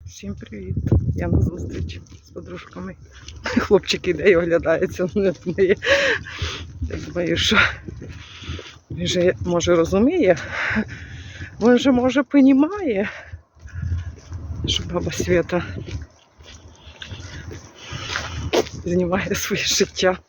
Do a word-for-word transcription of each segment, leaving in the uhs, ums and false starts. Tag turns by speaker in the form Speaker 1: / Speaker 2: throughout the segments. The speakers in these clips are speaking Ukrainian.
Speaker 1: Всім привіт! Я на зустріч з подружками. Хлопчик іде і оглядається. Ну, я думаю, я думаю, що він же, може, розуміє, він же, може, розуміє, що баба Свята знімає своє життя.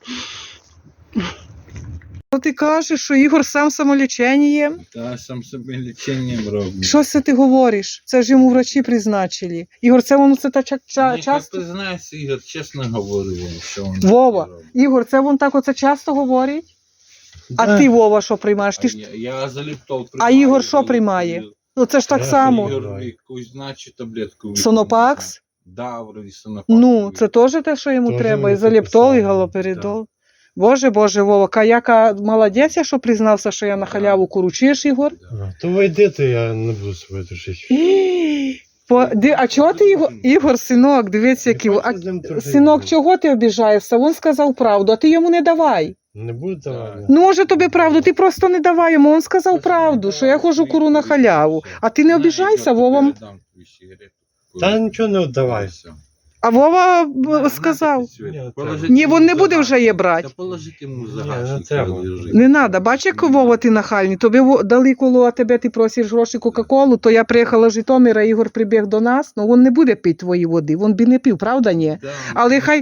Speaker 1: Що ти кажеш, що Ігор сам самолічення?
Speaker 2: Так, сам собі ліченням роблю.
Speaker 1: Що це ти говориш? Це ж йому врачі призначили. Ігор, це воно це та ча ча
Speaker 2: Ні,
Speaker 1: часто?
Speaker 2: ти знаєш, Ігор, чесно говорю вам, що він
Speaker 1: Вова,
Speaker 2: таке робить.
Speaker 1: Ігор, це він так оце часто говорить? А
Speaker 3: Да.
Speaker 1: ти, Вова, що приймаєш? Ти
Speaker 2: А
Speaker 1: ж...
Speaker 2: я, я заліптол
Speaker 1: А
Speaker 2: приймаю.
Speaker 1: Ігор що
Speaker 2: заліптол.
Speaker 1: приймає? Ну це ж так
Speaker 3: Я
Speaker 1: само.
Speaker 2: Ігор якусь значить таблетку.
Speaker 1: Сонопакс?
Speaker 2: Да, вроді сонопакс.
Speaker 1: Ну, це теж те, що йому
Speaker 3: Тоже
Speaker 1: треба. І
Speaker 3: мені
Speaker 1: заліптол, і
Speaker 3: записали.
Speaker 1: галоперидол. Боже, Боже, Вова, яка молодець, я що признався, що я на халяву куру. Чуєш, Ігор?
Speaker 3: А, то ви йдете, я не буду себе душити.
Speaker 1: По... Ди... А чого ти, Ігор, Ігор, синок, дивіться, який... А... Синок, чого ти обіжаєшся? Він сказав правду, а ти йому не давай.
Speaker 3: Не буду давати.
Speaker 1: Ну, може тобі правду, ти просто не давай йому. Він сказав правду, що я ходжу куру на халяву. А ти не обіжайся, Вова.
Speaker 3: Та нічого не віддавай.
Speaker 1: А Вова б, сказав. Ні, він не буде вже її брати.
Speaker 2: Та положити йому
Speaker 3: Ні, не
Speaker 2: загашник.
Speaker 3: треба.
Speaker 1: Не треба. Бач, як Вова ти нахальний. Тобі во- дали коло, а тебе ти просиш гроші Кока-Колу, то я приїхала з Житомира, Ігор прибіг до нас, ну він не буде пити твої води, він би не пив, правда, ні? Але хай-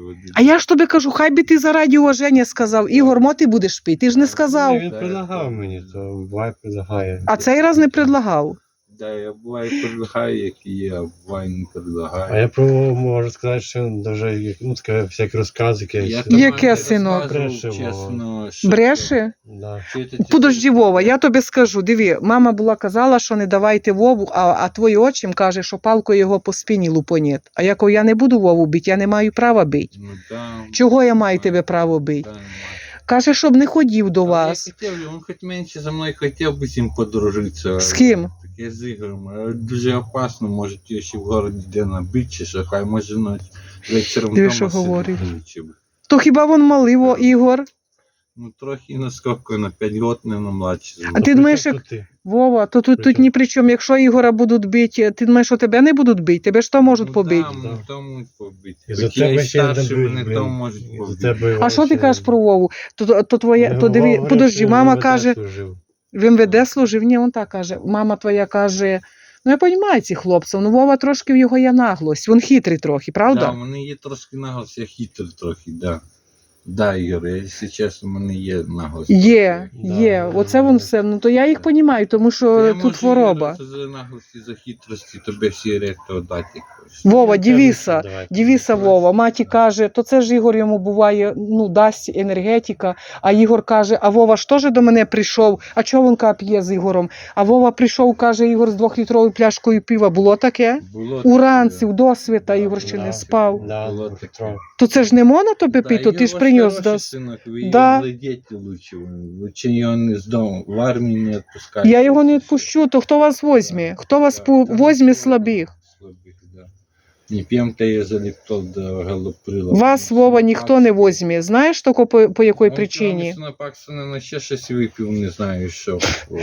Speaker 1: А я ж тобі кажу, хай би ти заради уваження сказав, Ігор, мо ти будеш пити, ти ж не сказав.
Speaker 3: Ні, він предлагав мені, то буває предлагає.
Speaker 1: А цей раз не предлагав.
Speaker 2: Да, я буває предлагаю, як і є, а буває не предлагаю.
Speaker 3: А я пробував, можу сказати, що він дуже, ну, таке, всякі розкази якісь.
Speaker 2: Я там
Speaker 1: Яке,
Speaker 2: не
Speaker 1: синок?
Speaker 2: розказував,
Speaker 3: Бреше,
Speaker 2: чесно, що
Speaker 1: Бреше?
Speaker 3: Да.
Speaker 2: це. Чи це-
Speaker 1: Подожди, Вова, я тобі скажу, диви, мама була казала, що не давайте Вову, а, а твій отчим каже, що палкою його по спині лупонєт. А я кажу, я не буду Вову бити, я не маю права бити.
Speaker 2: Ну, да,
Speaker 1: Чого я маю
Speaker 2: да,
Speaker 1: тебе право бити?
Speaker 2: да, немає.
Speaker 1: Каже, щоб не ходив до
Speaker 2: Але
Speaker 1: вас.
Speaker 2: Я хотів, він хоч менше за мною хотів би з ним подружитися.
Speaker 1: З ким?
Speaker 2: Таке з Ігорем. Але дуже опасно, може його ще в городі де набити, чи що, хай може ночі вечором
Speaker 1: Диви,
Speaker 2: вдома
Speaker 1: що говорить.
Speaker 2: сидіти, чи б.
Speaker 1: То хіба він малий, Во, Ігор?
Speaker 2: Ну трохи наскільки, на п'ять років, не на младші.
Speaker 1: А ти думаєш, як...
Speaker 3: Тут ти.
Speaker 1: Вова, то тут, тут
Speaker 3: Причому?
Speaker 1: ні при чому. Якщо Ігора будуть бити, ти думаєш, що тебе не будуть бити? Тебе ж то можуть побити.
Speaker 2: Ну,
Speaker 3: Да.
Speaker 2: да, то можуть побити.
Speaker 3: І за
Speaker 2: Хоч я
Speaker 3: тебе
Speaker 2: і
Speaker 3: ще не
Speaker 2: старший,
Speaker 3: бить,
Speaker 2: вони
Speaker 3: блін.
Speaker 2: то можуть
Speaker 3: І за
Speaker 2: побити.
Speaker 3: тебе
Speaker 1: А що ти
Speaker 3: ще-
Speaker 1: кажеш про Вову? То, то, то твоя,
Speaker 3: Ну,
Speaker 1: то диви,
Speaker 3: Вова
Speaker 1: подожди,
Speaker 3: говорив,
Speaker 1: мама
Speaker 3: що він
Speaker 1: каже,
Speaker 3: служив.
Speaker 1: в ем ве де служив? Ні, він так каже. Мама твоя каже, ну я розумію цих хлопців, ну Вова трошки в його є наглость, він хитрий трохи, правда?
Speaker 2: Да, в мене є трошки наголос, я хитрий трохи, да. Да, Ігор, я, якщо чесно, в мене є наголос.
Speaker 1: Є,
Speaker 3: Да,
Speaker 1: є,
Speaker 3: да,
Speaker 1: оце
Speaker 3: да.
Speaker 1: він все, ну то я їх розумію, тому що тут хвороба.
Speaker 2: За наглості, за хитрості, тобі всі ректо дати. якось.
Speaker 1: Вова,
Speaker 3: Я кажу,
Speaker 1: дивися,
Speaker 3: що давай.
Speaker 1: дивися, Вова, маті каже, то це ж Ігор йому буває, ну, дасть енергетика, а Ігор каже, а Вова ж теж до мене прийшов, а чого він п'є з Ігором? А Вова прийшов, каже, Ігор з двохлітровою пляшкою пива, було таке?
Speaker 2: Було
Speaker 1: Уранці,
Speaker 2: таке.
Speaker 1: в досвіта,
Speaker 2: Да,
Speaker 1: Ігор ще
Speaker 3: Да,
Speaker 1: не спав.
Speaker 3: Да,
Speaker 2: Було
Speaker 3: Петро.
Speaker 2: таке.
Speaker 1: То це ж не можна тобі
Speaker 2: Да,
Speaker 1: пити, то ти ж
Speaker 2: Ігор
Speaker 1: приніс
Speaker 2: хороший
Speaker 1: до...
Speaker 2: синок, ви
Speaker 1: Да.
Speaker 2: його глядіть лучше. Лучше його не з дому, в армії не відпускайте.
Speaker 1: Я його не відпущу, то хто вас возьме? Хто вас по... возьме слабих?
Speaker 2: Слабих, да. Не п'ємте я заліптол до галоприла.
Speaker 1: Вас, Вова, ніхто не возьме. Знаєш тільки по, по якій причині?
Speaker 2: На Паксона на ще щось випив, не знаю що.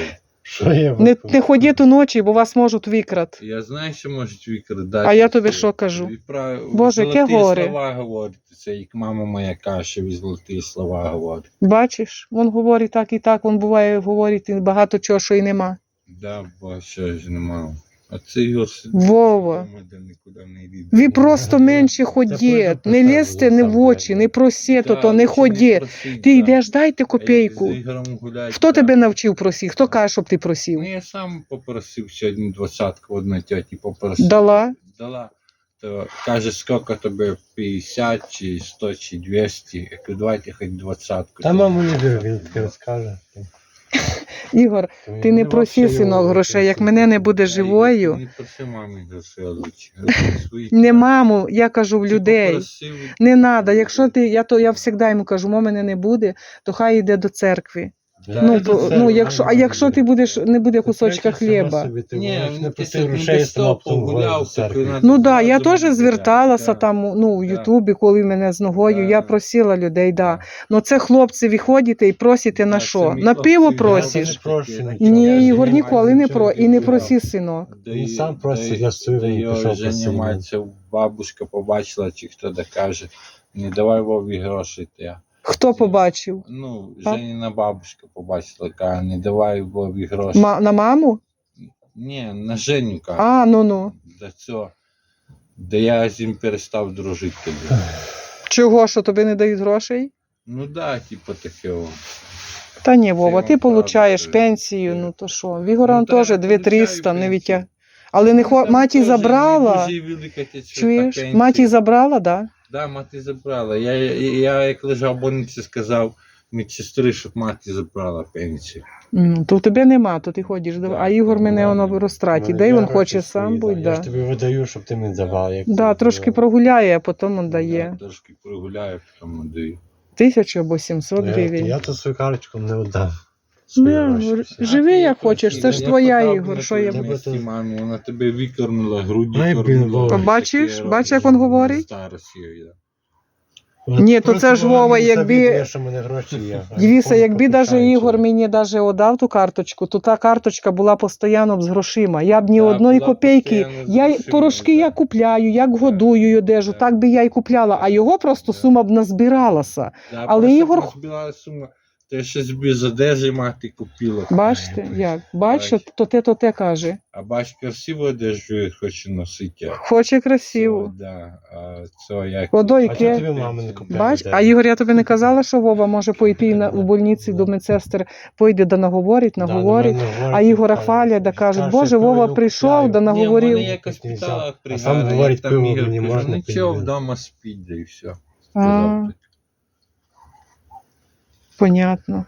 Speaker 3: Що я
Speaker 1: Не,
Speaker 3: випив?
Speaker 1: не ходіть уночі, бо вас можуть викрати.
Speaker 2: Я знаю, що можуть викрадати.
Speaker 1: А я тобі що кажу? Боже, яке
Speaker 2: золоті
Speaker 1: горе.
Speaker 2: слова говорити. Це як мама моя каже, ви золоті слова говорить.
Speaker 1: Бачиш, він говорить так і так, він буває говорить і багато чого, що і нема.
Speaker 2: Да, бо ще ж нема. А це його сидить
Speaker 1: Вова.
Speaker 2: вдома, де нікуди не йде.
Speaker 1: Ви просто менше
Speaker 3: Це
Speaker 1: ходіть,
Speaker 3: пойду
Speaker 1: не
Speaker 3: посаджу
Speaker 1: лізьте не в
Speaker 3: сам,
Speaker 1: очі,
Speaker 3: блядь.
Speaker 1: не просіть,
Speaker 2: Да,
Speaker 1: то не
Speaker 2: лучше
Speaker 1: ходіть.
Speaker 2: просить,
Speaker 1: Ти
Speaker 2: да.
Speaker 1: йдеш, дайте
Speaker 2: А
Speaker 1: копійку.
Speaker 2: з Ігорем гулять,
Speaker 1: Хто
Speaker 2: да.
Speaker 1: тебе навчив просити? Хто каже, щоб ти просив?
Speaker 2: Ну, я сам попросив сьогодні двадцятку, одна тьоті попросила.
Speaker 1: Дала?
Speaker 2: Дала. То каже, скільки тобі, п'ятдесят, чи сто, чи двісті. Я кажу, давайте хоч двадцятку.
Speaker 3: Та маму не вірю, він таке розкаже.
Speaker 1: Ігор, ти не проси, синок, грошей, як мене не буде живою.
Speaker 2: Не проси мамі грошей, лучше.
Speaker 1: Не маму, я кажу в людей. Не треба, якщо ти, я то я завжди йому кажу, мо мене не буде, то хай йде до церкви.
Speaker 2: Да,
Speaker 1: Ну,
Speaker 2: це
Speaker 1: то,
Speaker 3: це
Speaker 1: ну якщо, а
Speaker 3: нормально
Speaker 1: якщо
Speaker 3: буде.
Speaker 1: ти будеш, не буде кусочка
Speaker 3: Третє, сама
Speaker 1: хліба.
Speaker 3: собі, ти
Speaker 2: Ні,
Speaker 3: можеш не
Speaker 2: ну, ти
Speaker 3: плати
Speaker 2: так
Speaker 3: грошей,
Speaker 2: не
Speaker 3: сама потім
Speaker 2: погуляв,
Speaker 3: ходиш до церкви.
Speaker 2: так,
Speaker 1: Ну так, да, я
Speaker 2: Одразу
Speaker 1: теж
Speaker 2: буде
Speaker 1: зверталася
Speaker 2: да.
Speaker 1: там, ну, в
Speaker 2: Да.
Speaker 1: Ютубі, коли мене з ногою,
Speaker 2: Да.
Speaker 1: я просила людей, да.
Speaker 2: Да.
Speaker 1: Ну це хлопці, ви ходите і просите на
Speaker 2: Да,
Speaker 1: що?
Speaker 2: це мій
Speaker 1: На
Speaker 2: хлопці,
Speaker 1: пиво
Speaker 2: я
Speaker 3: Я
Speaker 1: просиш?
Speaker 3: не прошу нічого.
Speaker 1: Ні,
Speaker 3: Я
Speaker 1: Ігор,
Speaker 3: не
Speaker 1: ніколи
Speaker 3: маю
Speaker 1: не про, і не
Speaker 3: нічого.
Speaker 1: проси, синок.
Speaker 3: Він сам просить, я свою
Speaker 2: да,
Speaker 3: не
Speaker 2: його
Speaker 3: пішов
Speaker 2: Женя
Speaker 3: просив.
Speaker 2: мається, бабушка побачила, чи хто да каже, не давай Вові гроші. Ти.
Speaker 1: Хто побачив?
Speaker 2: Ну,
Speaker 1: А?
Speaker 2: Женіна бабушка побачила, каже, не давай Вові гроші.
Speaker 1: Ма- на маму?
Speaker 2: Ні, на Женю каже.
Speaker 1: А, ну ну.
Speaker 2: Да цього. Да я з ним перестав дружити тоді.
Speaker 1: Чого, що тобі не дають грошей?
Speaker 2: Ну да, типу таке. о.
Speaker 1: Та ні, Вова,
Speaker 2: вам
Speaker 1: ти
Speaker 2: правда
Speaker 1: получаєш
Speaker 2: кажу.
Speaker 1: пенсію, ну то що? В Ігора
Speaker 2: Ну, та
Speaker 1: теж
Speaker 2: я
Speaker 1: дві триста,
Speaker 2: получаю
Speaker 1: не
Speaker 2: пенсію.
Speaker 1: відтяг. Але не хо...
Speaker 2: Там
Speaker 1: маті
Speaker 2: теж
Speaker 1: забрала.
Speaker 2: не дуже велика ця
Speaker 1: Чуєш?
Speaker 2: пенсія.
Speaker 1: Маті забрала, да?
Speaker 2: Да, мати забрала. Я, я, я як лежав в больниці, сказав медсестри, щоб мати забрала пенсію.
Speaker 1: М, То в тебе нема, то ти ходиш. до-
Speaker 2: Да,
Speaker 1: А Ігор мене
Speaker 2: ладно.
Speaker 1: воно в розтраті.
Speaker 3: Ну,
Speaker 1: Де
Speaker 3: я
Speaker 1: він
Speaker 3: гроші
Speaker 1: хоче
Speaker 3: свої,
Speaker 1: сам
Speaker 3: да.
Speaker 1: будь,
Speaker 3: Я
Speaker 1: да.
Speaker 3: ж тобі видаю, щоб ти мені давав. Як
Speaker 1: Да,
Speaker 3: ти
Speaker 1: трошки
Speaker 3: давав.
Speaker 1: прогуляє, а потім він дає.
Speaker 2: Да, трошки прогуляю, потім даю.
Speaker 1: Тисячу або сімсот
Speaker 3: Я,
Speaker 1: гривень.
Speaker 3: я то свою карточку не віддав.
Speaker 1: Ну,
Speaker 3: Свої
Speaker 1: я
Speaker 3: гроші
Speaker 1: говорю,
Speaker 3: всі.
Speaker 1: живи
Speaker 2: А,
Speaker 1: як
Speaker 2: я
Speaker 1: хочеш,
Speaker 2: хотів,
Speaker 1: це ж
Speaker 2: я
Speaker 1: твоя,
Speaker 2: подав
Speaker 1: Ігор,
Speaker 2: на
Speaker 1: що я
Speaker 2: твоє
Speaker 3: буду-
Speaker 2: місце, мамі, вона тебе викормила, груді
Speaker 3: Ну, і, блін,
Speaker 2: кормила.
Speaker 3: Вова.
Speaker 1: Бачиш?
Speaker 2: Таке
Speaker 1: Бачиш,
Speaker 2: робиш,
Speaker 1: як він говорить?
Speaker 2: Старость її, да.
Speaker 3: От
Speaker 1: Ні, то
Speaker 3: просто
Speaker 1: це ж,
Speaker 3: вона
Speaker 1: Вова,
Speaker 3: мені
Speaker 1: якби-
Speaker 3: завідує, що в мене гроші є. А
Speaker 1: Дивіться,
Speaker 3: ніколи
Speaker 1: якби даже
Speaker 3: покушаючи.
Speaker 1: Ігор мені даже отдав ту карточку, то та карточка була постійно з грошима. Я б ні
Speaker 2: Да,
Speaker 1: одної
Speaker 2: була
Speaker 1: копійки.
Speaker 2: постійно з
Speaker 1: Я й-
Speaker 2: грошима,
Speaker 1: порошки
Speaker 2: да.
Speaker 1: я купляю, як
Speaker 2: Да.
Speaker 1: годую й одежу,
Speaker 2: Да.
Speaker 1: так би я й купляла, а його просто
Speaker 2: Да.
Speaker 1: сума б назбиралася.
Speaker 2: Да,
Speaker 1: Але
Speaker 2: просто
Speaker 1: Ігор-
Speaker 2: позбила сума. Те ще собі з одежі мати купила.
Speaker 1: Бачите, як? Бачите,
Speaker 2: Бач.
Speaker 1: то те, то те каже.
Speaker 2: А бач, красиву одежу я хочу носити.
Speaker 1: Хоче красиво.
Speaker 2: Це, да, а це як...
Speaker 1: Водой
Speaker 3: А чого
Speaker 1: ке.
Speaker 3: тобі мама не купляє?
Speaker 1: Бач,
Speaker 3: одежу?
Speaker 1: а Ігор, я тобі не казала, що Вова може пойти на, в больниці до медсестер, пойде да наговорить,
Speaker 3: Да,
Speaker 1: наговорить.
Speaker 3: на мене говорить,
Speaker 1: А Ігора
Speaker 3: каже,
Speaker 1: хвалять, да кажуть,
Speaker 3: каже,
Speaker 1: Боже,
Speaker 3: що
Speaker 1: Вова
Speaker 3: йому
Speaker 1: прийшов,
Speaker 3: купляю.
Speaker 1: да
Speaker 2: Ні, в
Speaker 1: наговорив.
Speaker 2: мене якось
Speaker 3: Нельзя.
Speaker 2: питала,
Speaker 3: А
Speaker 2: пригадує,
Speaker 3: сам
Speaker 2: як
Speaker 3: говорить,
Speaker 2: там
Speaker 3: пиво
Speaker 2: Ігор,
Speaker 3: не
Speaker 2: кажу,
Speaker 3: можна
Speaker 2: нічого,
Speaker 3: пити.
Speaker 2: вдома спіть, да і все.
Speaker 1: А,
Speaker 2: Сказав так.
Speaker 1: понятно.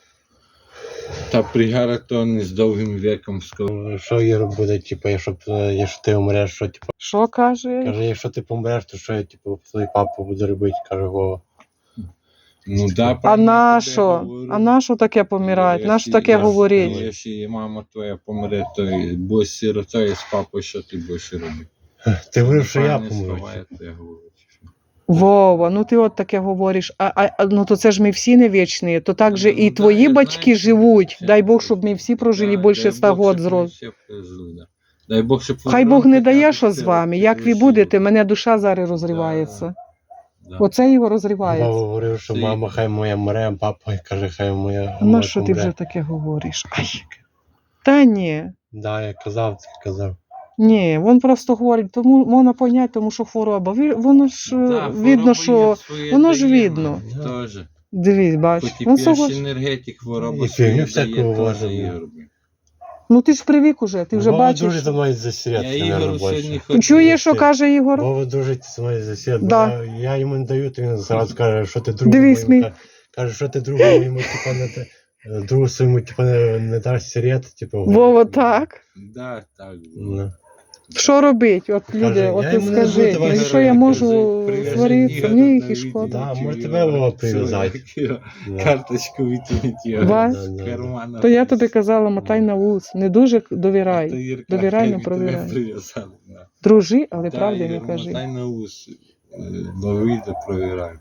Speaker 2: Та пригара то не з довгим віком сказав.
Speaker 3: Що Ігор буде, типу, якщо, б, е, якщо ти умреш, що, типу,
Speaker 1: Що каже?
Speaker 3: каже, якщо ти помреш, то що, типу, твій папа буде робити, каже Вова.
Speaker 2: Ну да,
Speaker 1: А
Speaker 2: правильно
Speaker 1: на
Speaker 2: тобі
Speaker 1: що?
Speaker 2: говорю.
Speaker 1: А на що таке помирати? На що
Speaker 2: Якщо-
Speaker 1: таке
Speaker 2: якщо-
Speaker 1: говорить?
Speaker 2: Якщо і мама твоя помре, то і будеш сиротою з папою, що ти будеш робити?
Speaker 3: Ти говорив, що я
Speaker 2: Правильні
Speaker 3: помру.
Speaker 2: слова, я тобі говорю.
Speaker 1: Вова, ну ти от таке говориш. А, а а, ну то це ж ми всі не вічні, то так же
Speaker 2: Ну,
Speaker 1: і
Speaker 2: да,
Speaker 1: твої
Speaker 2: я
Speaker 1: батьки
Speaker 2: знаю, що
Speaker 1: живуть.
Speaker 2: всі
Speaker 1: Дай Бог,
Speaker 2: прожили.
Speaker 1: щоб ми всі прожили
Speaker 2: Да,
Speaker 1: більше
Speaker 2: дай
Speaker 1: ста
Speaker 2: Бог,
Speaker 1: год
Speaker 2: щоб ми
Speaker 1: зрост.
Speaker 2: всі прожили, да. Дай Бог, щоб
Speaker 1: Хай Бог не
Speaker 2: Воронка
Speaker 1: дає,
Speaker 2: кажуть,
Speaker 1: що з
Speaker 2: ти
Speaker 1: вами.
Speaker 2: от
Speaker 1: Як ви
Speaker 2: живеш,
Speaker 1: будете, мене душа зараз розривається.
Speaker 2: да.
Speaker 1: Оце його
Speaker 3: Вова
Speaker 1: розривається.
Speaker 3: говорив, що
Speaker 2: Ти-
Speaker 3: мама хай моя мре, а папа каже, хай моя
Speaker 1: А на
Speaker 3: моя
Speaker 1: що ти
Speaker 3: помре.
Speaker 1: вже таке говориш? Ай. Та ні.
Speaker 3: Да, я казав, ти казав.
Speaker 1: Ні, він просто говорить, тому можна поняти, тому що хвороба. Ви- Воно ж е,
Speaker 2: Да,
Speaker 1: видно,
Speaker 2: хвороба
Speaker 1: що
Speaker 2: є своє
Speaker 1: воно ж
Speaker 2: дає,
Speaker 1: видно.
Speaker 2: ну, Теж.
Speaker 1: Дивись, бач.
Speaker 2: Хоч і
Speaker 1: Він
Speaker 2: п'єш
Speaker 1: согож...
Speaker 2: енергетик, хвороба
Speaker 3: І
Speaker 2: своє
Speaker 3: фігню
Speaker 2: дає,
Speaker 3: всяку
Speaker 2: теж
Speaker 3: возить,
Speaker 2: Ігор.
Speaker 1: Ну ти ж привик уже, ти вже
Speaker 3: Вова
Speaker 1: бачиш.
Speaker 3: дуже за мною засіряти,
Speaker 2: Я
Speaker 3: наверное,
Speaker 2: Ігору сьогодні
Speaker 3: більше.
Speaker 2: ходив.
Speaker 1: Чуєш, що каже Ігор?
Speaker 3: Вова дуже за мною засіряти.
Speaker 1: Да.
Speaker 3: Я, я йому не даю, то він зразу каже, що ти другу
Speaker 1: Дивись,
Speaker 3: моєму,
Speaker 1: мій-
Speaker 3: ка- каже, що ти другу моєму, типа, не те- другу своєму, типа, не, не даш сірет, типу.
Speaker 1: Вова, так.
Speaker 2: Да, так.
Speaker 3: Ну.
Speaker 1: Що робить? От
Speaker 3: Каже,
Speaker 1: люди, от
Speaker 3: я
Speaker 1: ти
Speaker 3: йому не
Speaker 1: скажи,
Speaker 3: буду давати
Speaker 1: ну і що я
Speaker 3: гроші,
Speaker 1: можу
Speaker 2: Прив'яжи
Speaker 1: сваритися?
Speaker 2: Ігоря
Speaker 1: Мені їх
Speaker 2: на
Speaker 1: і
Speaker 2: відео,
Speaker 1: шкода.
Speaker 3: Да,
Speaker 2: чи
Speaker 3: може,
Speaker 2: Ігор,
Speaker 3: тебе Вова
Speaker 2: все,
Speaker 3: прив'язати.
Speaker 2: як його
Speaker 3: Да.
Speaker 2: Карточку витягнути.
Speaker 1: Бач?
Speaker 3: Да, да, да.
Speaker 2: Кармана.
Speaker 1: То я тобі казала, мотай на вулицю. Не дуже
Speaker 2: То
Speaker 1: довіряй.
Speaker 2: Ігор
Speaker 1: довіряй,
Speaker 2: каже,
Speaker 1: не
Speaker 2: «Ми
Speaker 1: провіряй».
Speaker 2: тебе прив'язали, да.
Speaker 1: Дружи, але
Speaker 2: Да,
Speaker 1: правди не
Speaker 2: Ігор,
Speaker 1: кажи.
Speaker 2: мотай на вус. Е, Лови да провіряй.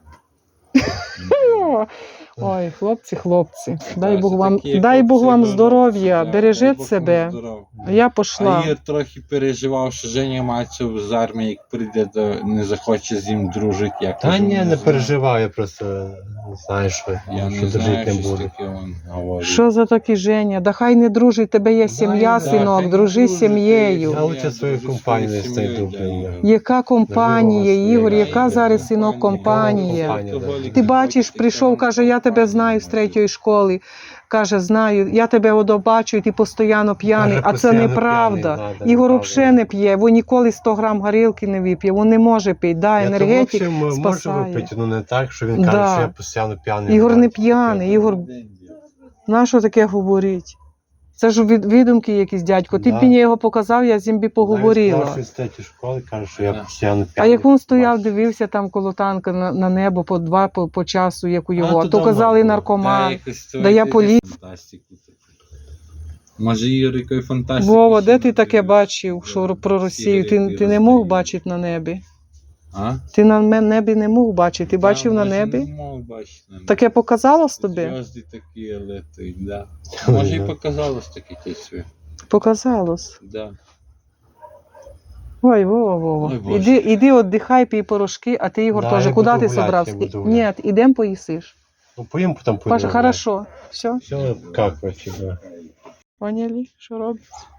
Speaker 1: О, ой, хлопці, хлопці. Дай
Speaker 2: Да,
Speaker 1: Бог
Speaker 2: це
Speaker 1: вам,
Speaker 2: такі
Speaker 1: дай Бог
Speaker 2: хлопці,
Speaker 1: вам
Speaker 2: да,
Speaker 1: здоров'я,
Speaker 2: да, дай
Speaker 1: бережіть
Speaker 2: Бог
Speaker 1: себе.
Speaker 2: вам здоров'я.
Speaker 1: А я
Speaker 2: А
Speaker 1: пішла.
Speaker 2: Ігор трохи переживав, що Женя Мацев з армії, як прийде, то не захоче з ним дружити. Я
Speaker 3: Та
Speaker 2: кажу,
Speaker 3: ні, не
Speaker 2: знаю.
Speaker 3: переживай, я просто не знаю, що,
Speaker 2: Я
Speaker 3: що
Speaker 2: не знаю,
Speaker 3: жити не
Speaker 2: що
Speaker 3: буду.
Speaker 2: таке він говорить.
Speaker 1: Що за такі Женя? Да хай не дружить, тебе є сім'я,
Speaker 3: да,
Speaker 1: синок,
Speaker 2: хай
Speaker 1: дружи
Speaker 2: не
Speaker 1: з
Speaker 2: дружить,
Speaker 1: сім'єю.
Speaker 3: Я лучше свою
Speaker 2: дружу з
Speaker 3: компанію
Speaker 2: своєю
Speaker 3: знайду,
Speaker 2: сім'єю,
Speaker 3: блін,
Speaker 2: да,
Speaker 3: да.
Speaker 1: Яка компанія,
Speaker 3: Наживала
Speaker 1: Ігор,
Speaker 3: своє,
Speaker 1: яка
Speaker 3: да,
Speaker 1: зараз
Speaker 3: да.
Speaker 1: синок компанія?
Speaker 3: Компанія,
Speaker 1: Ти бачиш, прийшов, каже, я тебе знаю з третьої школи. Каже, знаю, я тебе одо бачу, і ти постійно п'яний,
Speaker 3: Каже,
Speaker 1: а це
Speaker 3: постійно
Speaker 1: неправда.
Speaker 3: п'яний, да, да,
Speaker 1: Ігор
Speaker 3: неправда.
Speaker 1: взагалі не п'є, він ніколи сто грам горілки не вип'є, він не може пити, да,
Speaker 3: Я то, в
Speaker 1: енергетик
Speaker 3: общем, можу
Speaker 1: спасає.
Speaker 3: випити, ну не так, що він каже,
Speaker 1: Да.
Speaker 3: що я постійно п'яний.
Speaker 1: Ігор не
Speaker 3: знаю,
Speaker 1: п'яний, Ігор, на що таке говорить? Це ж від, відумки якісь, дядько. Ти б
Speaker 3: Да.
Speaker 1: мені його показав, я з ним би поговорила.
Speaker 3: Навіть з третьої школи каже, що я
Speaker 2: Да.
Speaker 3: постійно
Speaker 1: А
Speaker 3: п'яний.
Speaker 1: як він стояв,
Speaker 3: бачу.
Speaker 1: дивився там коло танка на, на небо по два по, по часу, як у його.
Speaker 3: А,
Speaker 1: А
Speaker 3: то
Speaker 1: то
Speaker 3: давно
Speaker 1: казали
Speaker 3: було.
Speaker 1: наркоман.
Speaker 2: якось
Speaker 1: Да я
Speaker 2: це
Speaker 1: полі-
Speaker 2: фантастику таку. Може, Ігор, якої фантастики?
Speaker 1: Вова,
Speaker 2: ще
Speaker 1: де ти
Speaker 2: не
Speaker 1: таке
Speaker 2: дивився?
Speaker 1: бачив,
Speaker 2: Да.
Speaker 1: що про Росію?
Speaker 2: Ігор,
Speaker 1: Ти,
Speaker 2: який
Speaker 1: ти не мог
Speaker 2: роздає.
Speaker 1: бачити на небі?
Speaker 2: А?
Speaker 1: Ти на ме- небі не мог бачити. Ти
Speaker 2: Да,
Speaker 1: бачив на
Speaker 2: може,
Speaker 1: небі?
Speaker 2: Не мог бачити на небі.
Speaker 1: Таке показалось тобі?
Speaker 2: Зв'язки такі летять, да.
Speaker 3: Ой,
Speaker 2: Може, і
Speaker 3: да.
Speaker 2: показалось таке тісві.
Speaker 1: Показалось.
Speaker 2: Да.
Speaker 1: Ой, Вова, Вова.
Speaker 2: Ой, Боже.
Speaker 1: Іди, іди віддихай, пій порошки, а ти, Ігор,
Speaker 3: Да,
Speaker 1: теж.
Speaker 3: я
Speaker 1: Куди
Speaker 3: буду
Speaker 1: ти
Speaker 3: гуляти,
Speaker 1: собрався?
Speaker 3: я буду
Speaker 1: Ні,
Speaker 3: гуляти.
Speaker 1: ідемо поїсиш.
Speaker 3: Ну, поїм, потім поїду.
Speaker 1: Паша, хорошо. Все,
Speaker 3: Все, как вообще, да.
Speaker 1: поняли, що робиться?